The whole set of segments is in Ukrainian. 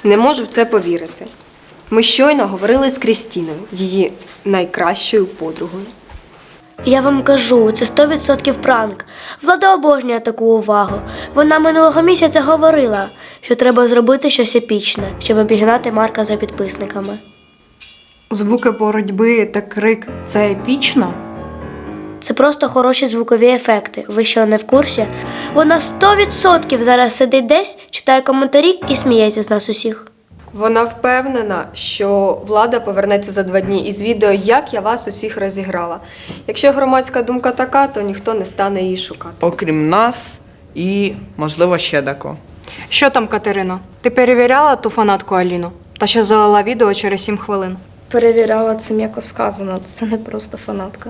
Не можу в це повірити. Ми щойно говорили з Крістіною, її найкращою подругою. Я вам кажу, це 100% пранк. Влада обожнює таку увагу. Вона минулого місяця говорила, що треба зробити щось епічне, щоб обігнати Марка за підписниками. Звуки боротьби та крик – це епічно? Це просто хороші звукові ефекти. Ви що, не в курсі? Вона 100% зараз сидить десь, читає коментарі і сміється з нас усіх. Вона впевнена, що Влада повернеться за 2 дні із відео «Як я вас усіх розіграла». Якщо громадська думка така, то ніхто не стане її шукати. Окрім нас і, можливо, ще декого. Що там, Катерино? Ти перевіряла ту фанатку Аліну? Та що залила відео через 7 хвилин? Перевіряла, це м'яко сказано, це не просто фанатка.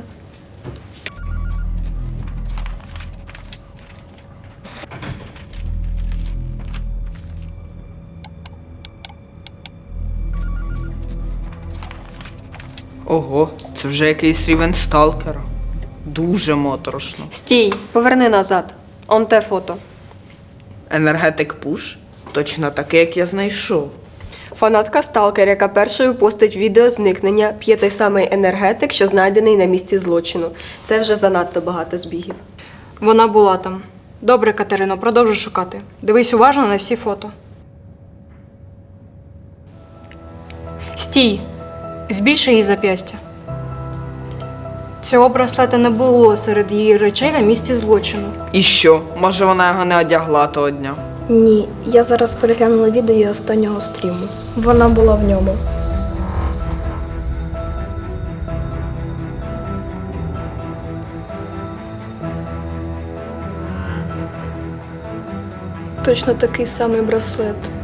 Ого, це вже якийсь рівень сталкера. Дуже моторошно. Стій, поверни назад. Он те фото. Енергетик Пуш? Точно таке, як я знайшов. Фанатка сталкер, яка першою постить відео зникнення, п'є той самий енергетик, що знайдений на місці злочину. Це вже занадто багато збігів. Вона була там. Добре, Катерино, продовжуй шукати. Дивись уважно на всі фото. Стій! Збільши її зап'ястя. Цього браслета не було серед її речей на місці злочину. І що? Може, вона його не одягла того дня? Ні, я зараз переглянула відео її останнього стріму. Вона була в ньому. Точно такий самий браслет.